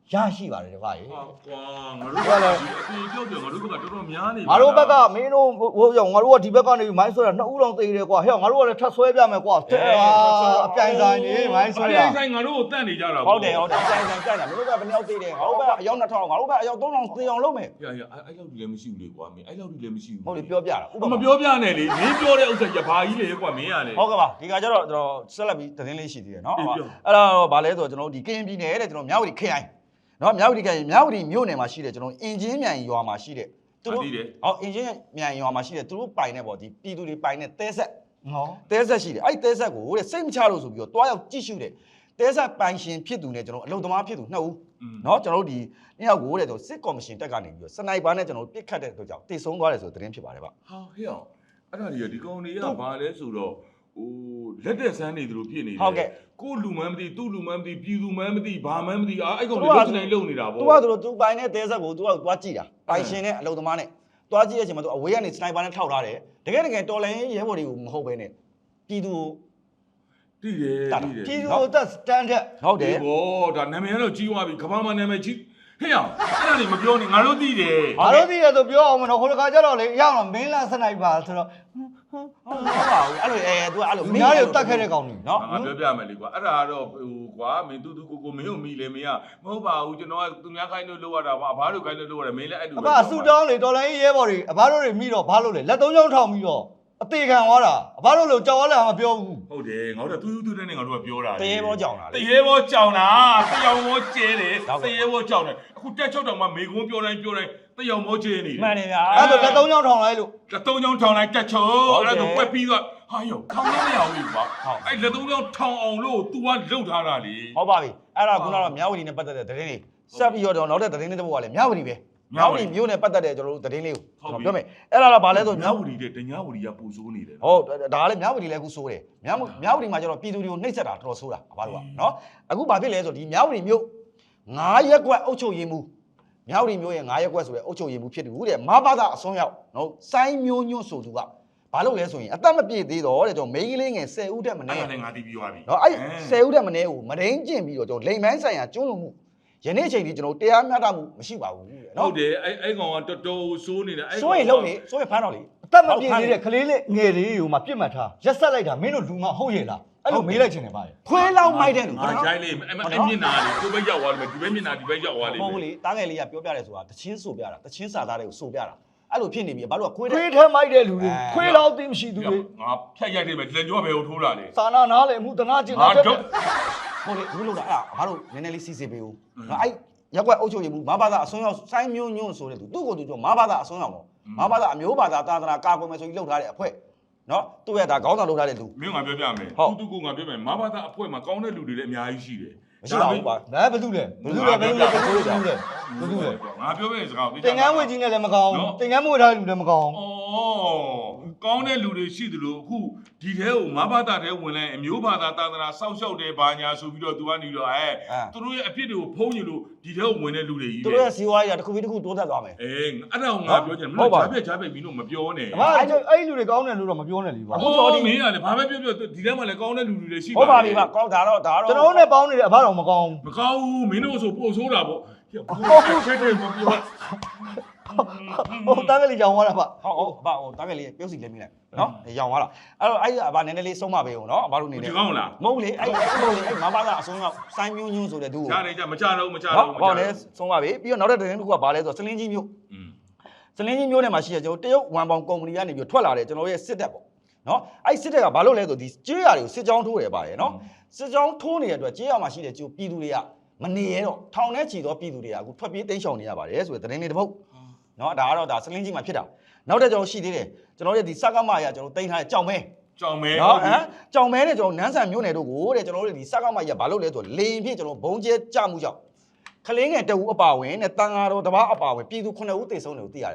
S1: ရရှိပါတယ်တပါးရေ
S3: ဟာကွာငါတို့ကလည်းအပြေပြောပြောငါတို့ကတော်တော်များနေ
S1: ငါတို့ဘက်ကမင်းတို့ဟိုရောငါတို့ကဒီဘက်ကနေမိုင်းဆွဲတာနှစ်ဦးလုံးသိတယ်ကွာဟဲ့ငါတို့ကလည်းထပ်ဆွဲပြမယ်ကွာအပြိုင်ဆိုင်နေမိုင်းဆွဲ
S3: အ
S1: တာ
S3: ပြိုင်ဆိုင်ငါတို့ကိုတန့်နေကြတာ
S2: ဟုတ်တယ်ဟုတ်တယ်အတိုင်းတိုင်းကြိုက်တာမင်းတို့ကဘယ်နှယောက်သေးတယ်ငါတို့ကအယောက်နှစ်ထောင်ငါတို့ကအယောက်သုံးထောင်သေအောင်လုပ်မယ်
S3: ရရအဲ့လောက်ကြီးလည်းမရှိဘူးလေကွာမင်းအဲ့လောက်ကြီးလည်းမရှိဘူး
S2: ဟုတ်လေပြောပြတာဥပ
S3: မ
S2: မာ
S3: ပြောပြနဲ့လေမင်းပြောတဲ့ဥစ္စာရဘာကြီးလေကွာမင်းရလေ
S2: ဟုတ်ကဲ့ပါဒီကကျတော့ကျွန်တော်ဆက်လက်ပြီးသတင်းလေးရှိသေးတယ်เนาะအဲ့တော့ဗာလဲဆိုတော့ကျွန်တော်ဒီကရင်ပြည်နယ်တဲ့ကျွန်တော်မြောက်ဝတီခရိုင်เนาะမြောက်ဝတီခရိုင်မြောက်ဝတီမြို့နယ်မှာရှိတဲ့ကျွန်တော်အင်ဂျင်မြိုင်ရွာမှာရှိတဲ့သူတို့ဟုတ်အင်ဂျင်မြိုင်ရွာမှာရှိတဲ့သူတို့ပိုင်တဲ့ပေါ့ဒီပြည်သူတွေပိုင်တဲ့တဲဆက်
S1: ဟော
S2: တဲဆက်ရှိတယ်အဲ့တဲဆက်ကိုတဲ့စိတ်မချလို့ဆိုပြီးတော့တွားရောက်ကြည့်ရှုတယ်တဲဆက်ပိုင်ရှင်ဖြစ်သူနဲ့ကျွန်တော်အလုံသမားဖြစ်သူနှစ်ဦးเนาะကျွန်တော်တို့ဒီနှစ်ယောက်ကိုတဲ့ကျွန်တော်စစ်ကော်မရှင်တက်ကနေပြီးတော့စနိုက်ပါနဲ့ကျွန်တော်တို့ပစ်ခတ်တဲ့အတွက်ကြောင့်တိတ်ဆုံးသွားတယ်ဆိုတဲ့သတင်းဖြစ်ပါတယ်ဗျ
S3: ဟာဟဲ့အောင်အဲ့ဒါကြီးဒီကောင်တွေကဘာလဲဆိုတော့ဟိုလက်တက်ဆန်းနေသူတို့ဖြစ်နေတယ်ကိုလူမန်းမသိသူ့လူမန်းမသိပြည်သူမန်းမသိဘာမန်းမသိအာအဲ့ကောင်တွေလုံးစနိုင်လုံနေတာဗော
S2: तू ကသူတို့ तू ပိုင်တဲ့တဲဆက်ကို तू ကတွားကြည့်တာပိုင်ရှင်နဲ့အလုံသမားနဲ့တွားကြည့်တဲ့အချိန်မှာ तू အဝေးကနေစနိုက်ပါနဲ့ထောက်ထားတယ်တကယ်တကယ်တော်လိုင်းရဲဘော်တွေကိုမဟုတ်ဘဲနဲ့ပြည်သူ
S3: တိတယ်တိတယ်
S1: ပြည်သူ့သက်စတန်တဲ့
S2: ဟုတ်တယ်
S3: ဘောဒါနာမည်ကတော့ကြီးသွားပြီကဘာမှနာမည်ကြီးဟဲ့အောင်အဲ့ဒါနေမပြောနဲ့ငါတို့သိတယ်
S1: ငါတို့သိရဆိုပြောအောင်မနော်ဟိုတခါကျတော့လေအရောက်တော့မင်းလာစနိုက်ပါဆိုတော့
S2: ဟုတ်ပါဘူးအဲ့လိုအဲ तू အဲ့လို
S1: မင်းတို့တတ်ခဲ့တဲ့ကောင်တွေ
S2: နော်
S3: ငါပြောပြမယ်လေကွာအဲ့ဒါကတော့ဟိုကွာမင်းတူတူကိုကိုမင်းတို့မိလေမင်းကမဟုတ်ပါဘူးကျွန်တော်ကသူများခိုင်းလို့လုပ်ရတာပါအဘတို့ခိုင်းလို့လုပ်ရတယ်မင်းလည်းအဲ့လို
S1: အဘအဆူတောင်းလေတော်လိုင်းရဲဘော်တွေအဘတို့တွေမိတော့ဘာလို့လဲလက်သုံးချောင်းထောင်ပြီးတော့အသေးခံသွားတာအဘတို့လို့ကြောက်ရလဲမပြောဘူး
S3: ဟုတ်တယ်ငါတို့တူတူတဲ့နဲ့ငါတို့ကပြောတာ
S2: တရေဘောကြောင်တာ
S3: တ
S2: လေ
S3: ရေဘောကြောင်တာတယောင်ဘောကျဲတယ်တရေဘောကြောင်တယ်အခုတက်ချုပ်တောင်မှမေကုန်းပြောတိုင်းပြောတိုင်းတယောင်ဘောကျဲနေတယ်
S2: မှန်တယ်ဗျာ
S1: အဲ့ဒါလက်သုံးချောင်းထောင်လိုက်လို့
S3: လက်သုံးချောင်းထောင်လိုက်တက်ချုပ်အဲ့ဒါဆိုပွက်ပြီးတော့ဟာယောထောင်လို့မရဘူးကွာအဲ့လက်သုံးချောင်းထောင်အောင်လို့ तू ကလှုပ်ထားတာလေ
S2: ဟုတ်ပါပြီအဲ့ဒါခုနကတော့မြောက်ဝတီနဲ့ပတ်သက်တဲ့သတင်းလေးဆက်ပြီးတော့နောက်တဲ့သတင်းလေးတစ်ပုဒ်ကလည်းမြောက်ဝတီပဲမြောက်ဝတီမြို့နဲ့ပတ်သက်တဲ့ကျွန်တော်တို့သတင်းလေးကိုကျွန်တော်ပြောမယ်အဲ့ဒါတော့ဗာလဲဆို
S3: မြောက်ဝတီတဲ့တညာဝတီကပူဆိုးနေတယ်
S2: ဟုတ်ဒါကလည်းမြောက်ဝတီလည်းအခုဆိုးတယ်မြောက်မြောက်ဝတီမှာကျတော့ပြည်သူတွေကိုနှိပ်စက်တာတော်တော်ဆိုးတာဘာလို့ကနော်အခုဘာဖြစ်လဲဆိုဒီမြောက်ဝတီမြို့ငါးရက်ကွက်အုပ်ချုပ်ရေးမှုမြောက်ဝတီမြို့ရဲ့ငါးရက်ကွက်ဆိုတဲ့အုပ်ချုပ်ရေးမှုဖြစ်တယ်ဟုတ်တယ်မဘာသာအစွန်းရောက်နော်စိုင်းမျိုးညွန့်ဆိုသူကဘာလို့လဲဆိုရင်အသက်မပြည့်သေးတော့တဲ့ကျွန်တော်မိန်းကလေးငယ်ဆယ်ဦးတက်မ
S3: အဲ့
S2: နေ
S3: ဒါလည်းငါသိပြီးသွားပြီ
S2: နော်အဲ့ဆယ်ဦးတက်မနေကိုမရင်းကျင်ပြီးတော့ကျွန်တော်လိမ်မိုင်းဆိုင်ရာကျွန်းလုံးမှုယနေ့ချိန်ထိကျွန်တော်တရားမျှတမှုမရှိပါဘူးတဲ့
S3: ဟု
S2: နော်
S3: တ်တယ်အဲ့အဲ့ကောင်ကတော်တော်ဆိုးနေတယ်အဲ့
S2: စိုးရင်လုံးလေစိုးရင်ဖမ်းတော့လေ
S1: အသက်မပြည့်သေးတဲ့ကလေးလေးငယ်လေးကိုမှပြစ်မှတ်ထားရက်ဆက်လိုက်တာမင်းတို့လူမဟုတ်ရဲ့လားအဲ့လိုမေးလိုက်ချင်တယ်ဗျာ
S2: ခွဲလောက်မိုက်တဲ့လူ
S3: ငါရိုင်းလေးအဲ့အဲ့မျက်နာလေးကိုပဲရောက်သွားတယ်ဒီဘက်မျက်နာဒီဘက်ရောက်သွားလိမ့်
S2: မဟုတ်
S3: မယ်
S2: ဘူးလေတားငယ်လေးကပြောပြတယ်ဆိုတာတချင်းဆိုပြတာတချင်းစာသားတွေကိုဆိုပြတာအဲ့လိုဖြစ်နေပြီဘာလို့ကခွဲတဲ့
S1: ခွေးထဲမိုက်တဲ့လူတွေခွေးလောက်သိမရှိသူတွေ
S3: ငါဖြတ်ရိုက်တယ်ပဲလက်ကြောပဲကိုထိုးလာလေ
S1: စာနာနားလေမှုတနာကျင်
S3: ငါ
S1: တာ
S3: တော့
S2: ဟုတ်လေဘူးလို့လားအဲ့ဒါဘာလို့နည်းနည်းလေးစီစီပေးဦးနော်အဲ့ရက်ွက်အုပ်ချုပ်ရေးမှုမဘာသာအစွန်းရောက်စိုင်းမျိုးညွန့်ဆိုတဲ့သူသူ့ကိုယ်သူကြောမဘာသာအစွန်းရောက်ပေါ့မဘာသာအမျိုးဘာသာသာသနာကာကွယ်မယ်ဆိုပြီးလှုပ်ထားတဲ့အဖွဲ့နော်သူ့ရဲ့ဒါခေါင်းဆောင်လှုပ်ထားတဲ့လူ
S3: မင်းငါပြောပြမယ်တူတူကိုငါပြောမယ်မဘာသာအဖွဲမှာကောင်းတဲ့လူတွေလည်းအများကြီးရှိတယ်
S2: မရှိပါဘူးကွာ
S1: ဒါဘယ်သူလဲဘယ်သူလဲဘယ်သူလဲဘယ်သူလဲဘယ်သူလဲ
S3: ငါပြောမယ့်စကား
S1: တင်ကန်းဝေကြီးနဲ့လည်းမကောင်းတင်ကန်းမွေထားတဲ့လူလည်းမကောင်း
S3: ဩကောင်းတဲ့လူတွေရှိသလိုအခုဒီထဲကိုမဘာသာထဲဝင်လိုက်အမျိုးဘာသာသာသနာစောက်ရှောက်တယ်ဘာညာဆိုပြီးတော့ तू ကနေတော့အဲသူတို့ရဲ့အဖြစ်တွေကိုဖုံးညလို့ဒီထဲကိုဝင်တဲ့လူတွေကြီး
S2: သူတို့ရဲ့စီဝါးကြီးကတစ်ခုပြီးတစ်ခုတိုးတက်သွားမယ်
S3: အေးအဲ့ဒါကိုငါပြောချင်တယ်မင်းကြားပြကြားပြမင်းတို့မပြောနဲ့
S1: အမအဲ့လူတွေကောင်းတယ်လို့တော့မပြောနဲ့လीကွာ
S3: အခုတော့ဒီမင်းကလည်းဘာပဲပြောပြောဒီထဲမှာလည်းကောင်းတဲ့လူတွေလည်းရှိ
S2: ဟုတ်ပါပြီပါကောင်းဒါတော့ဒါတော့
S1: ကျွန်တော်တို့နဲ့ပေါင်းနေတယ်အဘတော်မကောင်း
S3: မကောင်းဘူးမင်းတို့ဆိုပို့ဆိုးတာပေါ့ဟုတ်ကဲ့တဲ့မပြော
S1: ဟိုတန်းကလေးကြောင်သွားတာဗျ
S2: ဟုတ်ဟုတ်ဘာဟိုတားငယ်လေးပြုတ်စီလဲမိလိုက်နော်ရောင်သွားလားအဲ့တော့အဲ့ဒါဘာနည်းနည်းလေးဆုံးမပေးဦးနော်ဘာလို့နေလဲ
S3: ဒီကောင်းလား
S2: မဟုတ်လေအဲ့အဲ့မဟုတ်လေအဲ့မဘာသာအဆုံးရောက်စိုင်းမျိုးညွန့်ဆိုတဲ့သူကို
S3: ကြားနေကြမကြတော့မကြ
S2: နော်
S3: တော့
S2: ဟောလဲဆုံးပါပြီပြီးတော့နောက်တဲ့သတင်းတစ်ခုကဘာလဲဆိုတော့စလင်းကြီးမျိုး
S3: อืม
S2: စလင်းကြီးမျိုးထဲမှာရှိတဲ့ကျွန်တော်တရုတ်ဝန်ပေါင်ကုမ္ပဏီကနေပြီးထွက်လာတဲ့ကျွန်တော်ရဲ့စစ်တပ်ပေါ့နော်အဲ့စစ်တပ်ကဘာလို့လဲဆိုဒီကြေးရတွေကိုစစ်ကြောင်းထိုးတယ်ပါတယ်နော်စစ်ကြောင်းထိုးနေတဲ့အတွက်ကြေးရမှာရှိတဲ့ကျိုးပြည်သူတွေကမနေရတော့ထောင်ထဲချီတော့ပြည်သူတွေကအခုထွက်ပြေးတိမ်းရှောင်နေရပါတယ်ဆိုတဲ့သတင်းလေးတစ်ပုဒ်နော်ဒါကတော့ဒါစလင်းကြီးမှာဖြစ်တာနောက်တဲ့ကျွန်တော်ရှိသေးတယ်ကျွန်တော်ရဲ့ဒီစကမရကျွန်တော်တင်ထားတဲ့ကြောင်မဲ
S3: ကြောင်မဲ
S2: နော်ဟမ်ကြောင်မဲနဲ့ကျွန်တော်နန်းဆန်မြို့နယ်တို့ကိုတဲ့ကျွန်တော်တို့ဒီစကမရဘာလို့လဲဆိုလေရင်ဖြစ်ကျွန်တော်ဘုံကျဲကြမှုကြောင့်ခလင်းငယ်တအူအပါဝင်နဲ့တန်ဃာတော်တပားအပါဝင်ပြည်သူခုနှစ်ဦးတေဆုံးတယ်ကိုသိရတယ်ဗျ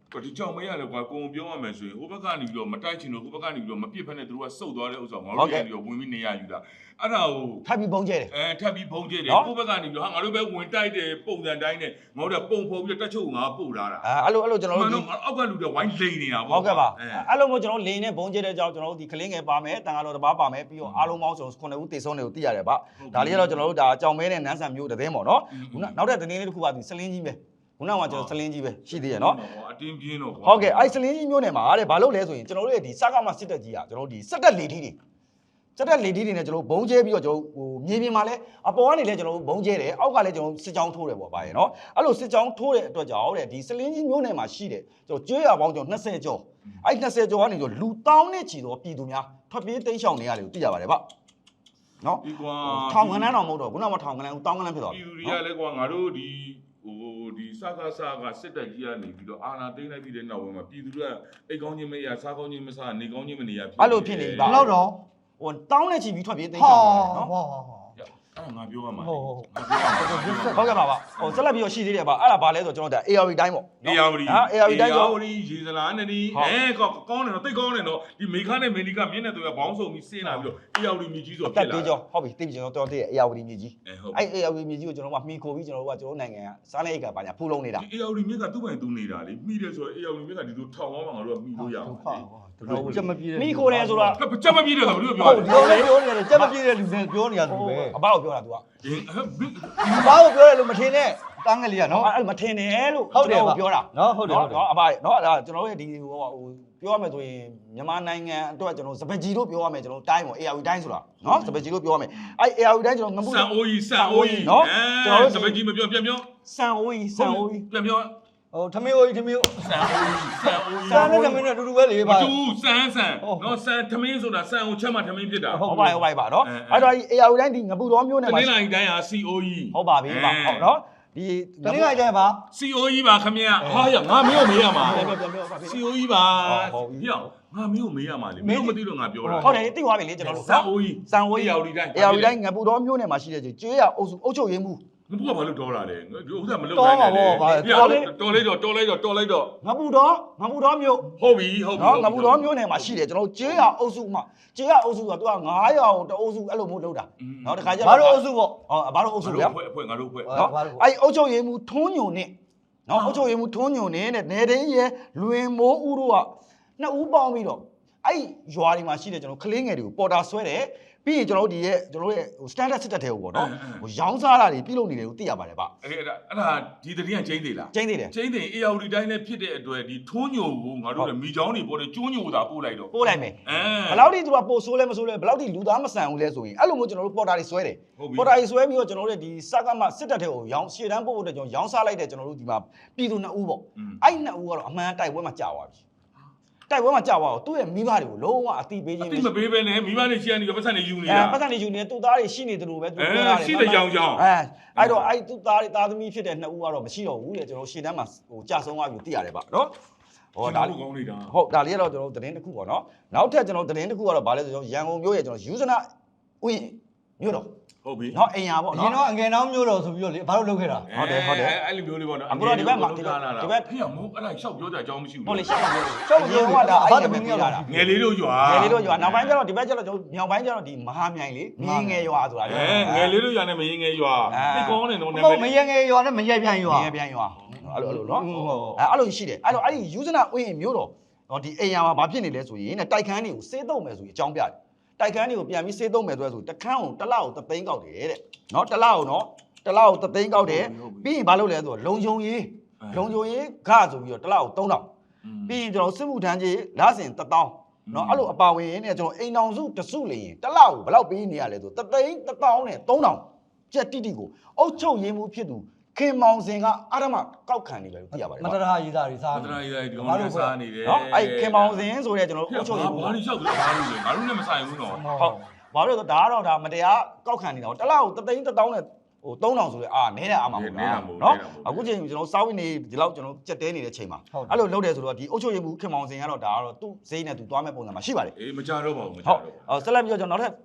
S3: ဒီကြောင်မရလေကွာကိုုံပြောရမယ်ဆိုရင်ဟိုဘက်ကနေပြီးတော့မတိုက်ချင်လို့ဟိုဘက်ကနေပြီးတော့မပြစ်ဖက်နဲ့သူတို့ကစုပ်သွားတဲ့ဥစ္စာငါတို့ကနေပြီးတော့ဝင်ပြီးနေရယူတာအဲ့ဒါကို
S2: ထပ်ပြီးပုံကျဲတယ်
S3: အဲထပ်ပြီးဖုံးကျဲတယ်ကိုယ့်ဘက်ကနေပြီးတော့ဟာငါတို့ပဲဝင်တိုက်တယ်ပုံစံတိုင်းနဲ့ငါတို့ကပုံဖော်ပြီးတော့တက်ချုပ်ငါပို့လာတာ
S2: အဲ့လိုအဲ့လိုကျွန်တော်တို့
S3: အောက်ကလူတွေဝိုင်းလိန်နေတာပေါ့
S2: ဟုတ်ကဲ့ပါအဲ့လိုမျိုးကျွန်တော်လိန်နဲ့ပုံကျဲတဲ့ကြောင့်ကျွန်တော်တို့ဒီကလင်းငယ်ပါမယ်တန်ခါတော်တစ်ပါးပါမယ်ပြီးတော့အားလုံးပေါင်းစုံခုနှစ်ဦးတေဆုံးတွေကိုသိရတယ်ဗျဒါလေးကတော့ကျွန်တော်တို့ဒါကြောင်မဲနဲ့နန်းဆန်မျိုးတစ်သိန်းပေါ့နော်ခုနနောက်တဲ့သတင်းလေးတစ်ခုပါဒီစလင်းကြီးပဲခုနကကျွန်တော်စလင်းကြီးပဲရှိသေးရနော်
S3: အတင်းပြင်းတော့
S2: ဟုတ်ကဲ့အဲ့စလင်းကြီးမျိုးနယ်မှာတဲ့ဘာလို့လဲဆိုရင်ကျွန်တော်တို့ရဲ့ဒီစကားမစစ်တက်ကြီးอ่ะကျွန်တော်တို့ဒီစက်တက်လေထီးတွေစက်တက်လေထီးတွေနဲ့ကျွန်တော်ဘုံကျဲပြီးတော့ကျွန်တော်ဟိုမြေပြင်မှာလဲအပေါ်ကနေလဲကျွန်တော်ဘုံကျဲတယ်အောက်ကလဲကျွန်တော်စစ်ကြောင်းထိုးတယ်ပေါ့ဗျာရေနော်အဲ့လိုစစ်ကြောင်းထိုးတဲ့အတွက်ကြောင့်တဲ့ဒီစလင်းကြီးမျိုးနယ်မှာရှိတယ်ကျွန်တော်ကျွေးရပေါင်းကျွန်တော်20ကျော်အဲ့20ကျော်ကနေကျွန်တော်လူတောင်းနဲ့ချီတော့ပြည်သူများထွက်ပြေးတိမ်းရှောင်နေရတယ်ကိုသိရပါတယ်ဗျနော်
S3: ဒီကွာ
S2: ထောင်ကနန်းတော်မဟုတ်တော့ခုနကထောင်ကနန်းတောင်းကနန်းဖြစ်သွား
S3: ပြည်သူတွေကလည်းကွာငါတို့ဒီဟိုဒီစကားစကားစစ်တက်ကြီးကနေပြီးတော့အာနာသိမ့်လိုက်ပြီးတဲ့နောက်ပိုင်းမှာပြည်သူတွေကအိတ်ကောင်းချင်းမရစားကောင်းချင်းမစားနေကောင်းချင်းမနေရဖြစ်
S2: အဲ့လိုဖြစ်နေပြီ
S1: ဘယ်လောက်တော့
S2: ဟိုတောင်းနဲ့ချီပြီးထွက်ပြေးတိမ်းရှောင်နေရတယ်နော်
S1: ဟော
S3: အဲ့ငါပြောရမှာ
S1: ဟုတ်ဟုတ်
S2: ဟုတ်ကဲ့ပါပါဟိုဆက်လက်ပြီးတော့ရှိသေးတယ်ပါအဲ့ဒါဘာလဲဆိုတော့ကျွန်တော်ဒါ A R V တိုင်းပေါ့
S3: အေယာဝတီ
S2: ဟာ A R V တိုင်းဆို
S3: အေယာဝတီရေစလားနဲ့ဒီအဲကောကောင်းတယ်နော်တိတ်ကောင်းတယ်နော်ဒီမေခနဲ့မေနီကမြင်းနဲ့သူကဘောင်းဆုံပြီးဆင်းလာပြီးတော့အေယာဝတီမြေကြီးဆို
S2: တက်
S3: ဖြစ်လာ
S2: သေးကြောဟုတ်ပြီတိတ်ပြီကျွန်တော်တော်သေးတယ် A R V မြေကြီး
S3: အဲဟုတ်
S2: အဲ့ A R V မြေကြီးကိုကျွန်တော်ကမှီခိုပြီးကျွန်တော်တို့ကကျွန်တော်နိုင်ငံကစားနေအိတ်ကပါညာဖူးလုံးနေတာ
S3: ဒီအေယာဝတီမြင်းကသူ့ပိုင်သူနေတာလေမိတယ်ဆိုတော့အေယာဝတီမြင်းကဒီလိုထောင်အောင်မှငါတို့ကမိလို့ရအောင်
S1: ဟုတ်ချက်မပြေတဲ့
S2: မိခိုတယ်ဆိုတာ
S3: ချက်မပြည့်တယ်ဆိုတော့ဘယ်လိုပြော
S1: ဟုတ်ဒီလိုလေးပြောနေတယ်ချက်မပြေတဲ့လူတွေပြောနေရသူပဲ
S2: အဘကိုပြောတာ तू က
S1: ဘာကိုပြောရလို့မထင်နဲ့တန်းကလေးကနော်
S2: အဲ့မထင်နဲ့လို့
S1: ဟုတ်တယ်
S2: ပြောတာ
S1: နော်ဟုတ်တယ်ဟုတ်တယ်
S2: နော်အဘနော်ဒါကျွန်တော်ရဲ့ဒီဟိုဟိုပြောရမယ်ဆိုရင်မြန်မာနိုင်ငံအတွက်ကျွန်တော်စပကြီးတို့ပြောရမယ်ကျွန်တော်တိုင်းပေါ့ A R V တိုင်းဆိုတာနော်စပကြီးတို့ပြောရမယ်အဲ့ A R V တိုင်းကျွန်တော်ငမှု
S3: ဆန်အိုးကြီးဆန်အိုးကြီး
S2: နော်
S3: ကျွန်တော်တို့စပကြီးမပြောပြန်ပြော
S2: ဆန်အိုးကြီးဆန်အိုးကြီး
S3: ပြန်ပြော
S1: ဟိုထမင်းအိုးကြီးထမင်း
S3: ဆန်အိုးကြီးဆန်အိုးကြီး
S1: ဆန်နဲ့ထမင်းနဲ့အတူတူပဲလေ
S3: မ
S1: ပါ
S3: တူဆန်ဆန်နော်ဆန်ထမင်းဆိုတာဆန်ကိုချက်မှထမင်းဖြစ်တာ
S2: ဟုတ်ပါဟုတ်ပါပါနော်အဲ့တော့ဒီ A R V တိုင်းဒီငပူတော်မျိုးနဲ့
S3: တ
S2: မှာ
S3: နင်္လာရီတိုင်းဟာ C O E
S2: ဟုတ်ပါပြီပါဟုတ်နော်ဒီ
S1: တနင်္ဂနွေကျရင်ပါ
S3: C O E ပါခမရဟာရငါမင်းကိုမေးရမှာ
S2: ပြန်ပြန်ပြန်ပါ
S3: C O E ပါဟေ့ငါမင်းကိုမေးရမှာလေမင်းတို့မသိလို့ငါပြောတာ
S2: ဟုတ်တယ်သိသွားပြီလေကျွန်တော်တို့
S3: ဆန်အိုးကြီး
S2: စံဝေး
S3: အေယာဝတီတိုင်း
S2: A R V တိုင်းငပူတော်မျိုးနဲ့မှာရှိတဲ့ကျွေးရအုပ်စုအုပ်ချုပ်ရေးမှု
S3: ငါကဘာလို့တော်လာလဲဒီဥစ္စာမလုပ်နိုင်နဲ့တော်လိုက်တော့တော်လိုက်တော့တော်လိုက်တော့
S2: ငပူတော်ငပူတော်မျိုး
S3: ဟုတ်ပြီဟုတ်ပြီ
S2: နော်ငပူတော်မျိုးနဲ့မှာရှိတယ်ကျွန်တော်ကျွေးရအုပ်စုမှာကျွေးရအုပ်စုကသူက900ကိုတအုပ်စုအဲ့လိုမျိုးလုပ်တာနော်တခါကျ
S1: ဘာလို့အုပ်စုပေါ့
S2: ဟောဘာလို့အုပ်စုလဲ
S3: အဖွဲ့အဖွဲ့ငါတို့အဖွဲ့
S2: နော်အဲ့အုပ်ချုပ်ရေးမှုထုံးညုံနဲ့နော်အုပ်ချုပ်ရေးမှုထုံးညုံနဲ့နေတိန်ရဲ့လွင်မိုးဦးတို့ကနှစ်ဦးပေါင်းပြီးတော့အဲ့ရွာတွေမှာရှိတဲ့ကျွန်တော်ကလေးငယ်တွေကိုပေါ်တာဆွဲတယ်ပြီးရင်ကျွန်တော်တို့ဒီရဲ့ကျွန်တော်တို့ရဲ့ဟို standard စစ်တပ်တွေကိုပေါ့နော်ဟိုရောင်းစားတာတွေပြုလုပ်နေတယ်ကိုသိရပါတယ်ဗျ
S3: အဲ့ဒါအဲ့ဒါဒီတတိယကျင်းသေးလား
S2: ကျင်းသေးတယ်
S3: ကျင်းသေးအေယာဝတီတိုင်းနဲ့ဖြစ်တဲ့အတွက်ဒီထုံးညိုကိုငါတို့လည်းမိချောင်းတွေပေါ်တယ်ကျိုးညိုတာပို့လိုက်တော့
S2: ပို့လိုက်မယ်
S3: အဲ
S2: ဘယ်လောက်ထိသူကပို့ဆိုးလဲမဆိုးလဲဘယ်လောက်ထိလူသားမဆန်ဘူးလဲဆိုရင်အဲ့လိုမျိုးကျွန်တော်တို့ပေါ်တာတွေဆွဲတယ်ပေါ်တာတွေဆွဲပြီးတော့ကျွန်တော်တို့ဒီစကားမှစစ်တပ်တွေကိုရောင်းရှေ့တန်းပို့ဖို့အတွက်ကျွန်တော်ရောင်းစားလိုက်တဲ့ကျွန်တော်တို့ဒီမှာပြည်သူနှစ်ဦးပေါ့အဲ့နှစ်ဦးကတော့အမှန်တိုက်ပွဲမှာကြာသွားပြီတိုက်ပွဲမှာကြာသွားတော့သူ့ရဲ့မိဘတွေကိုလုံးဝအတိပေးခြင်း
S3: အတိမပေးဘဲနဲ့မိမနဲ့ရှီကနေပတ်စံနေယူနေ
S2: အဲ
S3: တာ
S2: ပတ်စံနေယူနေတဲ့သူ့သားတွေရှိနေတယ်လို့ပဲသူပြောတာ
S3: ရှိတဲ့ကြောင်ကြောင်
S2: အဲအဲ့တော့အဲ့သူ့သားတွေသားသမီးဖြစ်တဲ့နှစ်ဦးကတော့မရှိတော့ဘူးလေကျွန်တော်ရှေ့တန်းမှာဟိုကြာဆုံးသွားပြီသိရတယ်ဗျနော်ဟောဒါ
S3: ကောင်းနေတာ
S2: ဟုတ်ဒါလေးကတော့ကျွန်တော်တို့သတင်းတစ်ခုပေါ့နော်နောက်ထပ်ကျွန်တော်သတင်းတစ်ခုကတော့ဗာလဲဆိုကျွန်တော်ရန်ကုန်မြို့ရဲ့ကျွန်တော်ယူဇနာဥယျာဉ်မြို့တော်
S3: ဟုတ်ပြီ
S2: နော်အိမ်ယာပေါ့
S1: အ
S2: နော်
S1: ရင်တော့အငယ်နှောင်းမျိုးတော်ဆိုပြီးတော့လေဘာလို့လုပ်ခဲ့တာ
S2: ဟုတ်တယ်ဟုတ်တယ်
S3: အဲ့လိုမျိုးလေးပေါ့နော်
S2: အခုတော့ဒီဘက်မှာဒီဘက်
S3: ဒီဘက်ဖေးမို့အဲ့ဒါရှောက်ပြောကြအကြောင်းမရှိဘူး
S2: ဟုတ်လေရှောက်ပြောရှောက်ပြောကဒါအဲ့ဒီပဲပြောတာ
S3: ငယ်လေးတို့ရွာ
S2: ငယ်လေးတို့ရွာနောက်ပိုင်းကျတော့ဒီဘက်ကျတော့ကျွန်တော်မြောက်ပိုင်းကျတော့ဒီမဟာမြိုင်လေငယ်ငယ်ရွာဆိုတာလေ
S3: အဲငယ်လေးတို့ရွာနဲ့မရင်ငယ်ရွာသိကောင်းတယ်နော်နာ
S1: ဟုတ်
S3: မ
S1: မ
S3: ည်
S1: ရငယ်ရွာနဲ့မရပြန်ရွာ
S2: ငယ်ပြန်ရွာအဲ့လိုအဲ့လိုနော်အဲအဲ့လိုရှိတယ်အဲ့လိုအဲ့ဒီယူဇနာဥယျာဉ်မြို့တော်နော်ဒီအိမ်ယာမှာဘာဖြစ်နေလဲဆိုရင်တဲ့တိုက်ခန်းတွေကိုစေးသုံးမယ်ဆိုရင်အကြောင်းပြတယ်တိုက်ခန်းတွေကိုပြန်ပြီးစေးသုံးမယ်ဆိုဆိုတခန်းကိုတစ်လောက်ကိုသသိန်းကောက်တယ်တဲ့နော်တစ်လောက်ကိုနော်တစ်လောက်ကိုသသိန်းကောက်တယ်ပြီးရင်ဘာလုပ်လဲဆိုတော့လုံခြုံရေးလုံခြုံရေးဂဆိုပြီးတော့တစ်လောက်ကိုသုံးတောင်ပြီးရင်ကျွန်တော်စစ်မှုထမ်းကြီးလစဉ်တစ်တောင်းနော်အဲ့လိုအပါဝင်နဲ့ကျွန်တော်အိမ်တောင်စုတစုလေရင်တစ်လောက်ကိုဘယ်လောက်ပေးနေရလဲဆိုသသိန်းတစ်တောင်းနဲ့သုံးတောင်ကြက်တိတိကိုအုတ်ချုပ်ရင်းမှုဖြစ်သူခင်မောင်စင်ကအာရမကောက်ခံနေတယ်လို့သိရပါတယ်
S1: မတရာရေးသားတွေစား
S3: မတရာရေးဒီကောင်ကစားနေတယ်
S2: နော်အဲ့ခင်မောင်စင်ဆိုတဲ့ကျွန်တော်တို့အုတ်ချုပ်ရင်းမှု
S3: ဘာလို့ရှောက်ကြလဲဘာလို့လဲငါတို့နဲ့မဆိုင်ဘူးနော်
S2: ဟုတ်ဘာလို့လဲဆိုတော့ဒါကတော့ဒါမတရားကောက်ခံနေတာတစ်လောက်ကိုသသိန်းတစ်တောင်းနဲ့ဟိုသုံးတောင်ဆိုလဲအာနဲတဲ့အာမမဟုတ်လားနော်အခုချိန်ကျွန်တော်စောင်းဝင်နေဒီလောက်ကျွန်တော်ကြက်တဲနေတဲ့ချိန်မှာအဲ့လိုလုပ်တယ်ဆိုတော့ဒီအုတ်ချုပ်ရည်မှုခင်မောင်စင်ကတော့ဒါကတော့သူ့ဈေးနဲ့သူသွားမဲ့ပုံစံမှာရှိပါတယ်
S3: အေးမကြတော့ပါဘူးမကြ
S2: ဟုတ်
S3: တော့
S2: အော်ဆက်လက်ပြီးတော့ကျွန်တော်နောက်ထပ်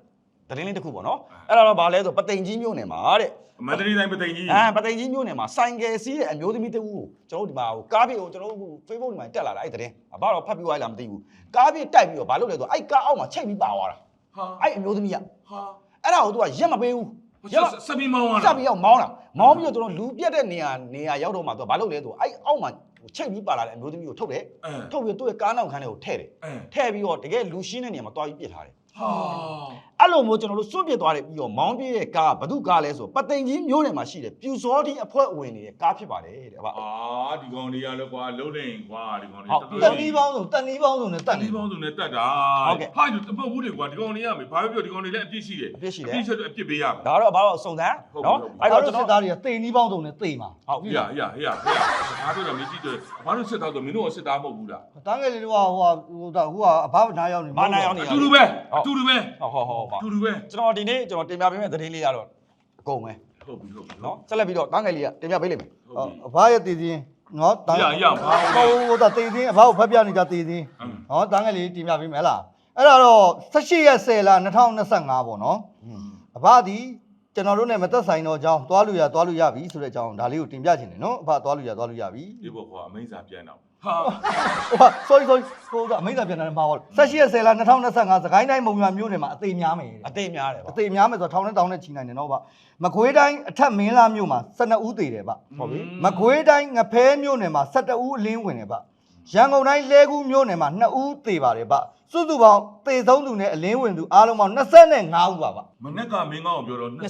S2: တရင်လေးတစ်ခုပေါ့နော်အဲ့ဒါတော့ဘာလဲဆိုပသိမ်ကြီးမြို့နယ်မှာတဲ့
S3: မန္တလေးတိုင်းပသိမ်ကြီး
S2: အဲပသိမ်ကြီးမြို့နယ်မှာဆိုင်ကယ်စီးတဲ့အမျိုးသမီးတစ်ဦးကိုကျွန်တော်တို့ဒီမှာဟိုကားပြေကိုကျွန်တော်တို့ Facebook ဒီမှာတက်လာတာအဲ့တရင်အဘတော့ဖတ်ပြီးသွားလားမသိဘူးကားပြေတိုက်ပြီးတော့ဘာလုပ်လဲဆိုအဲ့ကားအောက်မှာချိတ်ပြီးပါသွားတာ
S3: ဟာ
S2: အဲ့အမျိုးသမီးက
S3: ဟာ
S2: အဲ့ဒါကို तू ကရက်မပေးဘူး
S3: စပီမောင်းရ
S2: စပ်ပြီးရောက်မောင်းတာမောင်းပြီးတော့ကျွန်တော်လူပြက်တဲ့နေရာနေရာရောက်တော့မှ तू ကဘာလုပ်လဲဆိုအဲ့အောက်မှာချိတ်ပြီးပါလာတဲ့အမျိုးသမီးကိုထုတ်တယ်ထုတ်ပြီးသူ့ရဲ့ကားနောက်ခန်းထဲကိုထည့်တယ်ထည့်ပြီးတော့တကယ်လူရှင်းတဲ့နေရာမှာတွားပြီးပြစ်ထားတယ်
S3: ဟာ
S2: အဲ့လိုမျိုးကျွန်တော်တို့စွန့်ပစ်သွားတယ်ပြီးတော့မောင်းပြေးတဲ့ကားဘသူကားလဲဆိုပသိမ်ကြီးမျိုးနယ်မှာရှိတယ်ပြူစောတိအဖွဲ့ဝင်နေတဲ့ကားဖြစ်ပါတယ်တဲ့အဘ
S3: အာဒီကောင်တွေကလည်းကွာလုံးနေကွာဒီကောင်တွေ
S1: တန်နီးပေါင်းစုံတန်နီးပေါင်းစုံနဲ့တ
S3: တ
S1: တ်
S3: န်
S1: နေ
S3: ဒီပေါင်းစုံနဲ့တက်တာဟာဒီတပုတ်ဘူးတွေကွာဒီကောင်တွေကမေဘာပဲပြောဒီကောင်တွေလည်းအပြစ်ရှိတယ်အပြစ်ချက်အပြစ်ပေးရမယ်
S2: ဒါတော့ဘာလို့စုံစမ်းနော်
S1: အဲ့
S2: အဲ့
S1: တော့
S2: တော့
S1: ကျွ
S2: ကျွန် န်တော်
S1: တော်တွေကတေနီးပေါင်းစုံနဲ့တေမှာ
S2: ဟုတ်
S3: ဟေးရဟေးရဟေးရဘာပြောတော့မကြည့်တော့ဘာလို့စစ်သားဆိုမင်းတို့ကစစ်သားမဟုတ်ဘူးလား
S1: တန်းငယ်လေးတို့ကဟိုဟိုဟိုကအဘနားရောက်နေ
S2: မာနာရောက်နေ
S3: အတူတူပဲအတူတူပဲ
S2: ဟုတ်ဟုတ်ဟုတ်ပါ
S3: အတူတူပဲ
S2: ကျွန်တော်ဒီနေ့ကျွန်တော်တင်ပြပေးမယ့်သတင်းလေးကတော့အကုန်ပဲ
S3: ဟုတ်ပြီဟုတ်ပြီ
S2: နော်ဆက်လက်ပြီးတော့တန်းငယ်လေးကတင်ပြပေးလိမ့်မယ်
S3: ဟုတ်ပြီ
S1: အဘရဲ့တည်ခြင်းနော်တန်း
S3: ရရဘာ
S1: ဟိုဟိုတည်ခြင်းအဘကိုဖက်ပြနေကြတည်ခြင်းနော်တန်းငယ်လေးတင်ပြပေးမယ်လားအဲ့ဒါတော့၁၈ရက်၁၀လ၂၀၂၅ပေါ့နော်အဘဒီကျွန်တော်တို့နဲ့မသက်ဆိုင်တော့အကြောင်းသွားလို့ရသွားလို့ရပြီဆိုတဲ့အကြောင်းဒါလေးကိုတင်ပြချင်တယ်နော်အဘသွားလို့ရသွားလို့ရပြီ
S3: ဒီဘောကွာအမိန့်စာပြန်တော့ဟာ
S1: ဟို sorry sorry ဟိုကအမိန့်စာပြန်တယ်မှာပေါ့၁၈ရက်၁၀လ၂၀၂၅စကိုင်းတိုင်းမုံရွာမြို့နယ်မှာအသေးများမယ်
S2: အသေးများတယ်
S1: အ
S2: ပါ
S1: သေးများမယ်ဆိုတော့ထောင်နဲ့တောင်းနဲ့ချီနိုင်တယ်နော်ဗျမကွေးတိုင်းအထက်မင်းလာမြို့မှာ၁၂ဦးသေးတယ်ဗျဟုတ်ပြီမကွေးတိုင်းငဖဲမြို့နယ်မှာ၁၁ဦးအလင်းဝင်တယ်ဗျရန်ကုန်တိုင်းလဲကူးမြို့နယ်မှာ၂ဦးသေးပါတယ်ဗျစုစုပေါင်းသေဆုံးသူနဲ့အလင်းဝင်သူအားလုံးပေါင်း၂၅ဦးပါဗျ
S3: မနေ့ကမင်းကောင်းပြောတော့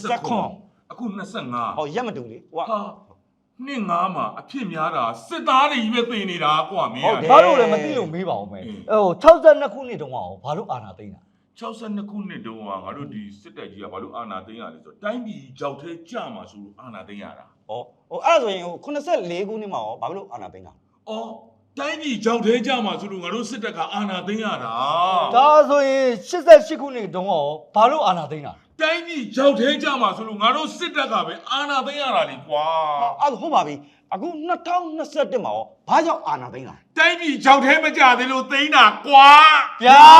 S3: 29အခု25
S2: ဟောရက်မတူလေဟိုက
S3: ဟာနှစ်ငါးမှာအဖြစ်များတာစစ်သားတွေကြီးပဲသိနေတာကွာမင်း
S1: ဘာလို့လဲမသိလို့မေးပါဦးမယ်ဟို၆၂ခုနှစ်တုန်းကရောဘာလို့အာနာသိမ်းတာ
S3: 62ခုနှစ်တုန်းကငါတို့ဒီစစ်တပ်ကြီးကဘာလို့အာဏာသိမ်းရလဲဆိုတော့တိုင်းပြည်ကြောက်သေးကြမှာဆိုလို့အာဏာသိမ်းရတာ
S2: ဟောဟိုအဲ့ဒါဆိုရင်ဟို84ခုနှစ်မှာရောဘာလို့အာနာသိန်းတာ
S3: အော်တိုင်းပြည်ကြောက်သေးကြမှာဆိုလို့ငါတို့စစ်တပ်ကအာဏာသိမ်းရတာ
S1: ဒါဆိုရင်88ခုနှစ်တုန်းကရောဘာလို့အာနာသိမ်းတာ
S3: တိုင်းပြည်ကြောက်သေးကြမှာဆိုလို့ငါတို့စစ်တပ်ကပဲအာဏာသိမ်းရတာလေကွာ
S2: အဲ့ဒါဟုတ်ပါပြီအခု2021မှာရောဘာကြောင့်အာနာသိန်းတာ
S3: တိုင်းပြည်ကြောက်သေးမကြသေးလို့သိမ်းတာကွာ
S1: ဗျာ